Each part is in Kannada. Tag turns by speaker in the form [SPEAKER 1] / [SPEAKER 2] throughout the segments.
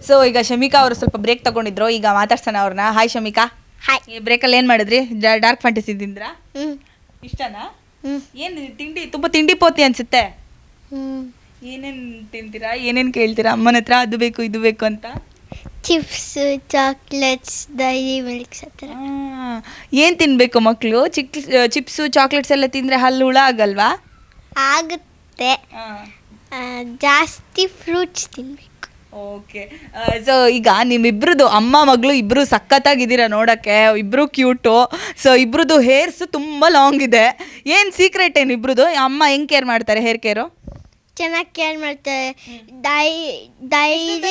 [SPEAKER 1] ಸೊ ಈಗ ಶಮಿಕಾ ಅವರು ಸ್ವಲ್ಪ ಬ್ರೇಕ್ ತಗೊಂಡಿದ್ರು, ಈಗ ಮಾತಾಡ್ಸೋಣ ಅವ್ರನ್ನ. ಹಾಯ್ ಶಮಿಕಾ.
[SPEAKER 2] ಹಾಯ್.
[SPEAKER 1] ಈ ಬ್ರೇಕಲ್ಲಿ ಏನು ಮಾಡಿದ್ರಿ? ಡಾರ್ಕ್ ಫ್ಯಾಂಟಸಿ ತಿಂದ್ರಾ? ಇಷ್ಟನಾ? ಏನು ತಿಂಡಿ ತುಂಬ ತಿಂಡಿ ಪೋತಿ ಅನ್ಸುತ್ತೆ. ಏನೇನು ತಿಂತೀರಾ, ಏನೇನು ಕೇಳ್ತೀರಾ ಅಮ್ಮನ ಹತ್ರ? ಅದು ಬೇಕು ಇದು ಬೇಕು ಅಂತ.
[SPEAKER 2] ಚಿಪ್ಸ್, ಚಾಕ್ಲೇಟ್ಸ್, ಡೈರಿ ಮಿಲ್ಕ್ಸ್ ಆ ಥರ.
[SPEAKER 1] ಏನು ತಿನ್ನಬೇಕು ಮಕ್ಕಳು? ಚಿಪ್ಸು ಚಾಕ್ಲೇಟ್ಸ್ ಎಲ್ಲ ತಿಂದರೆ ಹಲ್ಲು ಹುಳ ಆಗಲ್ವಾ?
[SPEAKER 2] ಆಗುತ್ತೆ. ಜಾಸ್ತಿ ಫ್ರೂಟ್ಸ್ ತಿನ್ನಬೇಕು.
[SPEAKER 1] ಓಕೆ. ಸೊ ಈಗ ನಿಮ್ಮಿಬ್ರದ್ದು ಅಮ್ಮ ಮಗಳು ಇಬ್ಬರು ಸಖತ್ತಾಗಿದ್ದೀರಾ ನೋಡೋಕ್ಕೆ, ಇಬ್ಬರು ಕ್ಯೂಟು. ಸೊ ಇಬ್ರದ್ದು ಹೇರ್ಸು ತುಂಬ ಲಾಂಗ್ ಇದೆ. ಏನು ಸೀಕ್ರೆಟ್ ಏನು ಇಬ್ರದ್ದು? ಅಮ್ಮ ಹೆಂಗೆ ಕೇರ್ ಮಾಡ್ತಾರೆ ಹೇರ್ ಕೇರು?
[SPEAKER 2] ಚೆನ್ನಾಗಿ ಕೇರ್ ಮಾಡ್ತಾರೆ. ಡೈರಿ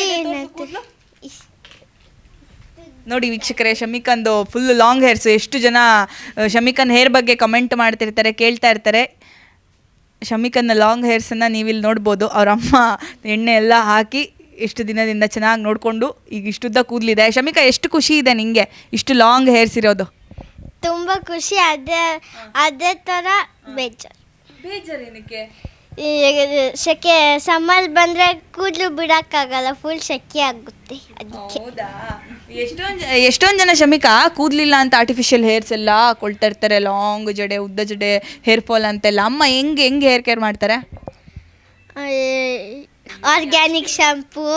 [SPEAKER 1] ನೋಡಿ ವೀಕ್ಷಕರೇ, ಶಮಿಕಂದು ಫುಲ್ ಲಾಂಗ್ ಹೇರ್ಸು. ಎಷ್ಟು ಜನ ಶಮಿಕನ್ ಹೇರ್ ಬಗ್ಗೆ ಕಮೆಂಟ್ ಮಾಡ್ತಿರ್ತಾರೆ, ಕೇಳ್ತಾ ಇರ್ತಾರೆ. ಶಮಿಕನ್ನ ಲಾಂಗ್ ಹೇರ್ಸನ್ನು ನೀವಿಲ್ಲಿ ನೋಡ್ಬೋದು. ಅವ್ರ ಅಮ್ಮ ಎಣ್ಣೆ ಎಲ್ಲ ಹಾಕಿ ಇಷ್ಟು ದಿನದಿಂದ ಚೆನ್ನಾಗಿ ನೋಡಿಕೊಂಡು ಈಗ ಇಷ್ಟುದ್ದ ಕೂದಲಿದೆ. ಶಮಿಕಾ, ಎಷ್ಟು ಖುಷಿ ಇದೆ ನಿಮಗೆ ಇಷ್ಟು ಲಾಂಗ್ ಹೇರ್ಸ್ ಇರೋದು?
[SPEAKER 2] ತುಂಬ ಖುಷಿ. ಅದೇ ಥರ
[SPEAKER 1] ಬೇಜಾರು ಏನಕ್ಕೆ?
[SPEAKER 2] ಸೆಕೆ ಸಮ್ಮರ್ ಬಂದರೆ ಕೂದಲು ಬಿಡೋಕ್ಕಾಗಲ್ಲ, ಫುಲ್ ಸೆಕೆ ಆಗುತ್ತೆ ಅದಕ್ಕೆ.
[SPEAKER 1] ಹೌದಾ? ಎಷ್ಟೊಂದು ಜನ ಶಮಿಕಾ ಕೂದಲಿಲ್ಲ ಅಂತ ಆರ್ಟಿಫಿಷಿಯಲ್ ಹೇರ್ಸ್ ಎಲ್ಲ ಕೊಳ್ತಾ ಇರ್ತಾರೆ, ಲಾಂಗ್ ಜಡೆ, ಉದ್ದ ಜಡೆ, ಹೇರ್ ಫಾಲ್ ಅಂತೆಲ್ಲ. ಅಮ್ಮ ಹೆಂಗೆ ಹೇರ್ ಕೇರ್ ಮಾಡ್ತಾರೆ?
[SPEAKER 2] ಆರ್ಗ್ಯಾನಿಕ್ ಶಾಂಪೂ,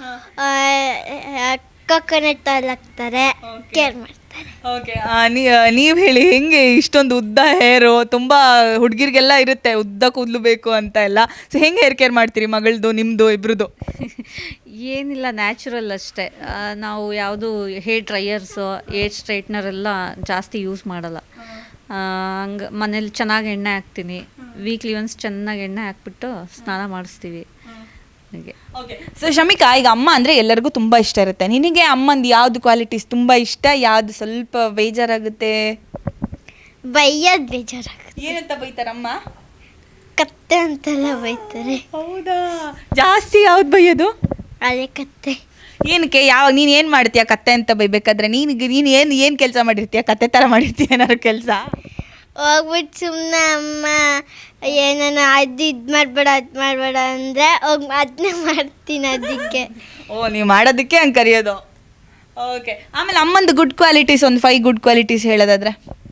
[SPEAKER 2] ಕೊಕೊನಟ್ ಆಯಿಲ್ ಹಾಕ್ತಾರೆ, ಕೇರ್ ಮಾಡ್ತಾರೆ.
[SPEAKER 1] ಓಕೆ. ನೀವು ಹೇಳಿ, ಹೆಂಗೆ ಇಷ್ಟೊಂದು ಉದ್ದ ಹೇರು? ತುಂಬ ಹುಡುಗಿರಿಗೆಲ್ಲ ಇರುತ್ತೆ ಉದ್ದ ಕೂದಲು ಬೇಕು ಅಂತ ಎಲ್ಲ. ಸೊ ಹೆಂಗೆ ಹೇರ್ ಕೇರ್ ಮಾಡ್ತೀರಿ ಮಗಳದು ನಿಮ್ಮದು ಇಬ್ರದ್ದು?
[SPEAKER 3] ಏನಿಲ್ಲ, ನ್ಯಾಚುರಲ್ ಅಷ್ಟೇ. ನಾವು ಯಾವುದು ಹೇರ್ ಡ್ರೈಯರ್ಸು, ಹೇರ್ ಸ್ಟ್ರೈಟ್ನರ್ ಎಲ್ಲ ಜಾಸ್ತಿ ಯೂಸ್ ಮಾಡಲ್ಲ. ಹಂಗೆ ಮನೇಲಿ ಚೆನ್ನಾಗಿ ಎಣ್ಣೆ ಹಾಕ್ತೀನಿ. ವೀಕ್ಲಿ ಒನ್ಸ್ ಚೆನ್ನಾಗಿ ಎಣ್ಣೆ ಹಾಕ್ಬಿಟ್ಟು ಸ್ನಾನ ಮಾಡಿಸ್ತೀವಿ.
[SPEAKER 1] ಓಕೆ. ಸೊ ಶಮಿಕಾ, ಈಗ ಅಮ್ಮ ಅಂದರೆ ಎಲ್ಲರಿಗೂ ತುಂಬ ಇಷ್ಟ ಇರುತ್ತೆ. ನಿನಗೆ ಅಮ್ಮಂದು ಯಾವುದು ಕ್ವಾಲಿಟೀಸ್ ತುಂಬ ಇಷ್ಟ, ಯಾವುದು ಸ್ವಲ್ಪ ಬೇಜಾರಾಗುತ್ತೆ?
[SPEAKER 2] ಬೈಯೋದು ಬೇಜಾರಾಗುತ್ತೆ.
[SPEAKER 1] ಏನಂತ ಬೈತಾರಮ್ಮ?
[SPEAKER 2] ಕತ್ತೆ ಅಂತೆಲ್ಲ ಬೈತಾರೆ.
[SPEAKER 1] ಹೌದಾ? ಜಾಸ್ತಿ ಯಾವ್ದು ಬೈಯೋದು?
[SPEAKER 2] ಅದೇ ಕತ್ತೆ.
[SPEAKER 1] ಏನಕ್ಕೆ? ಯಾವಾಗ ನೀನು ಏನು ಮಾಡ್ತೀಯ ಕತ್ತೆ ಅಂತ ಬೈಬೇಕಾದ್ರೆ? ನೀನು ಏನು ಕೆಲಸ ಮಾಡಿರ್ತೀಯ? ಕತ್ತೆ ಥರ ಮಾಡಿರ್ತೀಯ ಏನಾದ್ರು ಕೆಲಸ?
[SPEAKER 2] ಹೋಗ್ಬಿಟ್ಟು ಸುಮ್ಮನೆ ಅಮ್ಮ ಏನಾನ ಇದು ಮಾಡಬೇಡ ಅಂದರೆ ಹೋಗಿ ಅದನ್ನೇ ಮಾಡ್ತೀನಿ ಅದಕ್ಕೆ.
[SPEAKER 1] ಓ, ನೀವು ಮಾಡೋದಕ್ಕೆ ಹಂಗೆ ಕರೆಯೋದು. ಓಕೆ. ಆಮೇಲೆ ಅಮ್ಮಂದು ಗುಡ್ ಕ್ವಾಲಿಟೀಸ್ ಒಂದು 5 ಗುಡ್ ಕ್ವಾಲಿಟೀಸ್ ಹೇಳೋದಾದ್ರೆ?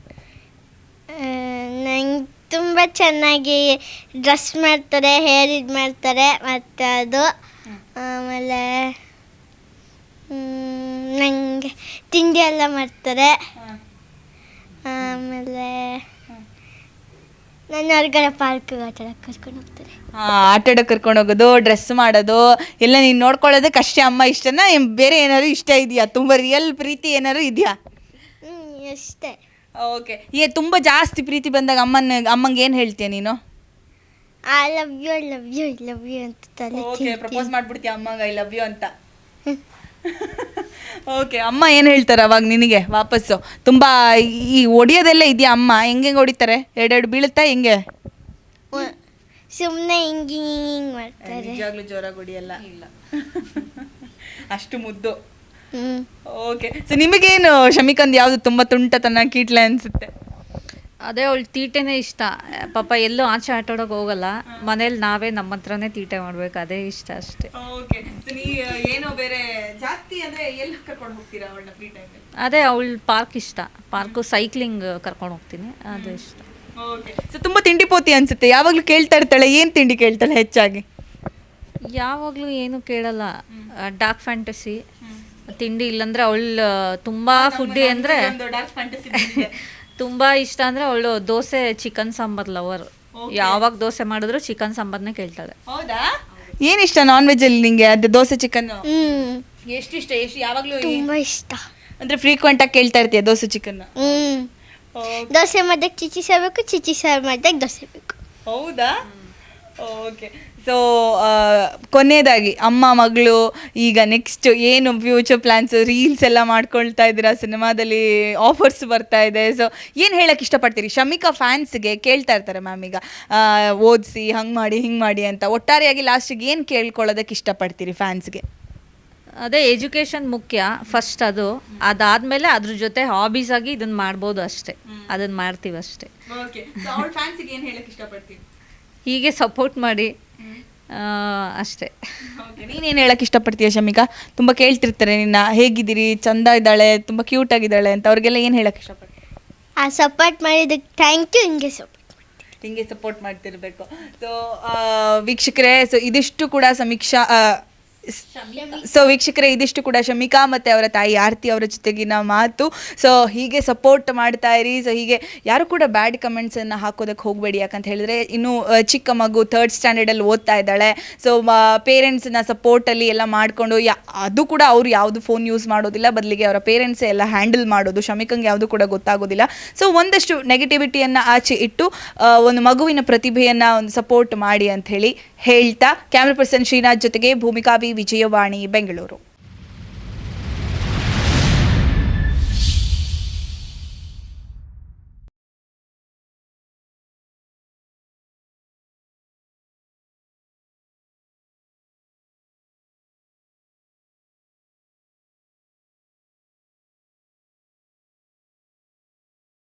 [SPEAKER 2] ನಂಗೆ ತುಂಬ ಚೆನ್ನಾಗಿ ಡ್ರೆಸ್ ಮಾಡ್ತಾರೆ, ಹೇರ್ ಇದು ಮಾಡ್ತಾರೆ, ಮತ್ತು ಅದು ಆಮೇಲೆ ನನಗೆ ತಿಂಡಿ ಎಲ್ಲ ಮಾಡ್ತಾರೆ. ಆಮೇಲೆ ನನ್ನ ಹೊರಗಡೆ ಪಾರ್ಕ್ಗೆ ಆಟ ಆಡೋಕ್ಕೆ ಕರ್ಕೊಂಡು ಹೋಗ್ತಾರೆ.
[SPEAKER 1] ಆಟ ಆಡೋಕ್ಕೆ ಕರ್ಕೊಂಡು ಹೋಗೋದು, ಡ್ರೆಸ್ ಮಾಡೋದು ಎಲ್ಲ ನೀನು ನೋಡ್ಕೊಳ್ಳೋದಕ್ಕೆ ಅಷ್ಟೇ ಅಮ್ಮ ಇಷ್ಟನಾ? ಬೇರೆ ಏನಾದ್ರು ಇಷ್ಟ ಇದೆಯಾ? ತುಂಬ ರಿಯಲ್ ಪ್ರೀತಿ ಏನಾದ್ರು ಇದೆಯಾ?
[SPEAKER 2] ಅಷ್ಟೇ.
[SPEAKER 1] ಓಕೆ. ತುಂಬ ಜಾಸ್ತಿ ಪ್ರೀತಿ ಬಂದಾಗ ಅಮ್ಮಂಗೆ ಏನು ಹೇಳ್ತೀಯ ನೀನು?
[SPEAKER 2] I love you, I love you, I love you ಅಂತ.
[SPEAKER 1] ಓಕೆ. ಪ್ರಪೋಸ್ ಮಾಡ್ಬಿಡ್ತೀಯ ಅಮ್ಮಂಗೆ ಐ ಲವ್ ಯು ಅಂತ? ಓಕೆ. ಅಮ್ಮ ಏನು ಹೇಳ್ತಾರೆ ಅವಾಗ ನಿನಗೆ ವಾಪಸ್ಸು? ತುಂಬ ಈ ಹೊಡಿಯೋದೆಲ್ಲ ಇದೆಯಾ ಅಮ್ಮ? ಹೆಂಗೆ ಹೊಡಿತಾರೆ? ಎರಡೆರಡು ಬೀಳುತ್ತಾ ಹೆಂಗೆ?
[SPEAKER 2] ಸುಮ್ಮನೆ ಹಿಂಗೆ ಮಾಡ್ತಾರೆ.
[SPEAKER 1] ನಿಜವಾಗ್ಲೂ ಜೋರಾಗಿ ಹೊಡಿಯಲ್ಲ? ಇಲ್ಲ. ಅಷ್ಟು ಮುದ್ದು. ಓಕೆ. ಸೊ ನಿಮಗೇನು ಶಮಿಕಂದು ಯಾವುದು ತುಂಬ ತುಂಟತನ, ಕೀಟ್ಲೆ ಅನಿಸುತ್ತೆ?
[SPEAKER 3] ಅದೇ ಅವಳು ತೀಟೆನೇ ಇಷ್ಟ. ಪಾಪ ಎಲ್ಲೂ ಆಚೆ ಆಟಾಡೋಕೆ ಹೋಗಲ್ಲ, ಮನೇಲಿ ನಾವೇ ನಮ್ಮ ಹತ್ರನೇ ತೀಟೆ ಮಾಡ್ಬೇಕು, ಅದೇ ಇಷ್ಟ ಅಷ್ಟೇ.
[SPEAKER 1] ಓಕೆ. ಏನೋ ಬೇರೆ ಜಾಸ್ತಿ ಅಂದರೆ ಎಲ್ಲಿ ಕರ್ಕೊಂಡು ಹೋಗ್ತೀರಾ ಅವಳನ್ನ ಫ್ರೀ ಟೈಮಲ್ಲಿ?
[SPEAKER 3] ಅದೇ ಅವಳು ಪಾರ್ಕ್ ಇಷ್ಟ, ಪಾರ್ಕು, ಸೈಕ್ಲಿಂಗ್ ಕರ್ಕೊಂಡು ಹೋಗ್ತೀನಿ, ಅದು ಇಷ್ಟ.
[SPEAKER 1] ಓಕೆ. ಸೊ ತುಂಬ ತಿಂಡಿ ಪೋತಿ ಅನಿಸುತ್ತೆ. ಯಾವಾಗಲೂ ಕೇಳ್ತಾ ಇರ್ತಾಳೆ, ಏನು ತಿಂಡಿ ಕೇಳ್ತಾಳೆ ಹೆಚ್ಚಾಗಿ?
[SPEAKER 3] ಯಾವಾಗಲೂ ಏನು ಕೇಳಲ್ಲ. ಡಾರ್ಕ್ ಫ್ಯಾಂಟಸಿ ತಿಂಡಿ, ಇಲ್ಲಾಂದರೆ ಅವಳು ತುಂಬ ಫುಡ್ಡಿ ಅಂದರೆ ತುಂಬ ಇಷ್ಟ ಅಂದರೆ ಅವಳು ದೋಸೆ, ಚಿಕನ್ ಸಾಂಬಾರ್ ಲವರ್. ಯಾವಾಗ ದೋಸೆ ಮಾಡಿದ್ರು ಚಿಕನ್ ಸಾಂಬಾರ್ನೇ ಕೇಳ್ತಾಳೆ.
[SPEAKER 1] ಹೌದಾ? ಏನು ಇಷ್ಟ ನಾನ್ ವೆಜ್ಜಲ್ಲಿ ನಿಂಗೆ? ಅದು ದೋಸೆ ಚಿಕನ್ ಎಷ್ಟು ಇಷ್ಟ? ಯಾವಾಗಲೂ
[SPEAKER 2] ತುಂಬ ಇಷ್ಟ
[SPEAKER 1] ಅಂದರೆ ಫ್ರೀಕ್ವೆಂಟಾಗಿ ಕೇಳ್ತಾ ಇರ್ತೀಯ ದೋಸೆ ಚಿಕನ್?
[SPEAKER 2] ದೋಸೆ ಮಾಡಿದಾಗ ಚಿಚಿ ಸಾರು ಬೇಕು, ಚಿಚಿ ಸಾರು ಮಾಡಿದಾಗ ದೋಸೆ ಬೇಕು.
[SPEAKER 1] ಹೌದಾ? ಓಕೆ. ಸೊ ಕೊನೆಯದಾಗಿ ಅಮ್ಮ ಮಗಳು ಈಗ ನೆಕ್ಸ್ಟ್ ಏನು ಫ್ಯೂಚರ್ ಪ್ಲ್ಯಾನ್ಸ್, ರೀಲ್ಸ್ ಎಲ್ಲ ಮಾಡ್ಕೊಳ್ತಾ ಇದ್ದೀರಾ, ಸಿನಿಮಾದಲ್ಲಿ ಆಫರ್ಸ್ ಬರ್ತಾ ಇದೆ. ಸೊ ಏನು ಹೇಳಕ್ಕೆ ಇಷ್ಟಪಡ್ತೀರಿ ಶಮಿಕಾ ಫ್ಯಾನ್ಸ್ಗೆ? ಕೇಳ್ತಾ ಇರ್ತಾರೆ ಮ್ಯಾಮ್ ಈಗ ಓದಿಸಿ ಹಂಗೆ ಮಾಡಿ ಹಿಂಗೆ ಮಾಡಿ ಅಂತ. ಒಟ್ಟಾರೆಯಾಗಿ ಲಾಸ್ಟಿಗೆ ಏನು ಕೇಳ್ಕೊಳ್ಳೋದಕ್ಕೆ ಇಷ್ಟಪಡ್ತೀರಿ ಫ್ಯಾನ್ಸ್ಗೆ?
[SPEAKER 3] ಅದೇ ಎಜುಕೇಷನ್ ಮುಖ್ಯ ಫಸ್ಟ್, ಅದಾದಮೇಲೆ ಅದ್ರ ಜೊತೆ ಹಾಬೀಸ್ ಆಗಿ ಇದನ್ನು ಮಾಡ್ಬೋದು ಅಷ್ಟೇ, ಅದನ್ನು ಮಾಡ್ತೀವಿ ಅಷ್ಟೇ.
[SPEAKER 1] ಓಕೆ. ಫ್ಯಾನ್ಸ್ಗೆ ಏನು ಹೇಳಕ್ಕೆ ಇಷ್ಟಪಡ್ತೀರಿ?
[SPEAKER 3] ಹೀಗೆ ಸಪೋರ್ಟ್ ಮಾಡಿ, ಅಷ್ಟೇ.
[SPEAKER 1] ನೀನೇನು ಹೇಳಕ್ಕೆ ಇಷ್ಟಪಡ್ತೀಯ ಶಮಿಕಾ? ತುಂಬ ಕೇಳ್ತಿರ್ತಾರೆ ನಿನ್ನ, ಹೇಗಿದ್ದೀರಿ, ಚಂದ ಇದ್ದಾಳೆ, ತುಂಬ ಕ್ಯೂಟ್ ಆಗಿದ್ದಾಳೆ ಅಂತ, ಅವ್ರಿಗೆಲ್ಲ ಏನು ಹೇಳಕ್ಕೆ ಇಷ್ಟಪಡ್ತೀಯ?
[SPEAKER 2] ಸಪೋರ್ಟ್ ಮಾಡಿದ್ದಕ್ಕೆ ಥ್ಯಾಂಕ್ ಯು.
[SPEAKER 1] ಹಿಂಗೆ ಸಪೋರ್ಟ್ ಮಾಡ್ತಿರ್ಬೇಕು. ಸೊ ವೀಕ್ಷಕರೇ, ಸೊ ಇದಿಷ್ಟು ಕೂಡ ವೀಕ್ಷಕರೇ ಇದಿಷ್ಟು ಕೂಡ ಶಮಿಕಾ ಮತ್ತು ಅವರ ತಾಯಿ ಆರತಿ ಅವರ ಜೊತೆಗಿನ ಮಾತು. ಸೊ ಹೀಗೆ ಸಪೋರ್ಟ್ ಮಾಡ್ತಾ ಇರಿ. ಸೊ ಹೀಗೆ ಯಾರು ಕೂಡ ಬ್ಯಾಡ್ ಕಮೆಂಟ್ಸನ್ನು ಹಾಕೋದಕ್ಕೆ ಹೋಗಬೇಡಿ. ಯಾಕಂತ ಹೇಳಿದ್ರೆ ಇನ್ನೂ ಚಿಕ್ಕ ಮಗು 3rd ಸ್ಟ್ಯಾಂಡರ್ಡಲ್ಲಿ ಓದ್ತಾ ಇದ್ದಾಳೆ. ಸೊ ಪೇರೆಂಟ್ಸ್ನ ಸಪೋರ್ಟಲ್ಲಿ ಎಲ್ಲ ಮಾಡಿಕೊಂಡು ಅದು ಕೂಡ ಅವರು ಯಾವುದು ಫೋನ್ ಯೂಸ್ ಮಾಡೋದಿಲ್ಲ, ಬದಲಿಗೆ ಅವರ ಪೇರೆಂಟ್ಸೇ ಎಲ್ಲ ಹ್ಯಾಂಡಲ್ ಮಾಡೋದು. ಶಮಿಕಂಗೆ ಯಾವುದು ಕೂಡ ಗೊತ್ತಾಗೋದಿಲ್ಲ. ಸೊ ಒಂದಷ್ಟು ನೆಗೆಟಿವಿಟಿಯನ್ನು ಆಚೆ ಇಟ್ಟು ಒಂದು ಮಗುವಿನ ಪ್ರತಿಭೆಯನ್ನು ಒಂದು ಸಪೋರ್ಟ್ ಮಾಡಿ ಅಂತ ಹೇಳ್ತಾ, ಕ್ಯಾಮ್ರಾ ಪರ್ಸನ್ ಶ್ರೀನಾಥ್ ಜೊತೆಗೆ ಭೂಮಿಕಾ ವಿ, ವಿಜಯವಾಣಿ, ಬೆಂಗಳೂರು.